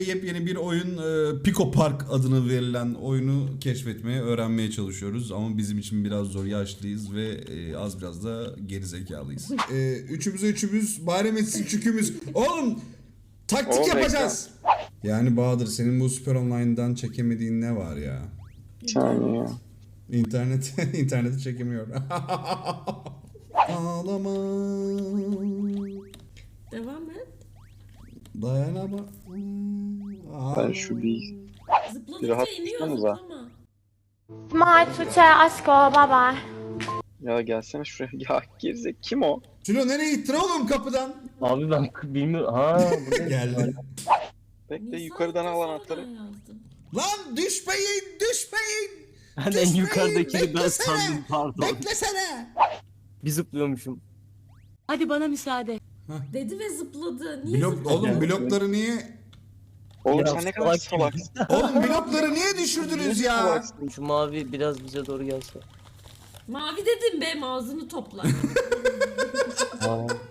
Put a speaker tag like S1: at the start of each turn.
S1: Yepyeni bir oyun Pico Park adını verilen oyunu keşfetmeye, öğrenmeye çalışıyoruz. Ama bizim için biraz zor, yaşlıyız ve az biraz da gerizekalıyız. Üçümüz bayram etsin çükümüz. Oğlum taktik yapacağız. Yani Bahadır, senin bu Süper Online'dan çekemediğin ne var ya?
S2: Saniye.
S1: İnterneti çekemiyor. Ağlama.
S3: Devam et.
S1: Dayanama.
S2: Ben şu bir
S3: Zıpladıkça
S2: rahat
S3: iniyor,
S2: tutsanıza.
S3: zıplama.
S4: Smile Tuğçe aşko bye bye.
S2: Ya gelsene şuraya. Ya gerizek kim o?
S1: Sülo nereye gittin oğlum kapıdan?
S5: Abi ben bilmiyorum. Ha burada
S1: Geldi.
S2: Bekle
S3: Nisan
S2: yukarıdan al
S3: sonradan
S2: anahtarı.
S3: yazdım.
S1: Lan düşmeyin.
S5: ben en yukarıdakini ben sandım, pardon.
S1: Beklesene.
S5: Bir zıplıyormuşum.
S6: Hadi bana müsaade.
S3: Dedi ve zıpladı. Niye zıpladı?
S1: Oğlum blokları niye?
S2: Oğlum
S5: Ya
S2: sen ne kadar
S5: salak
S2: salaksın.
S1: Oğlum blokları niye düşürdünüz ya?
S2: Salaksın.
S5: Şu mavi biraz bize doğru gelse.
S3: Mavi dedim be, ağzını topla.
S5: Aa.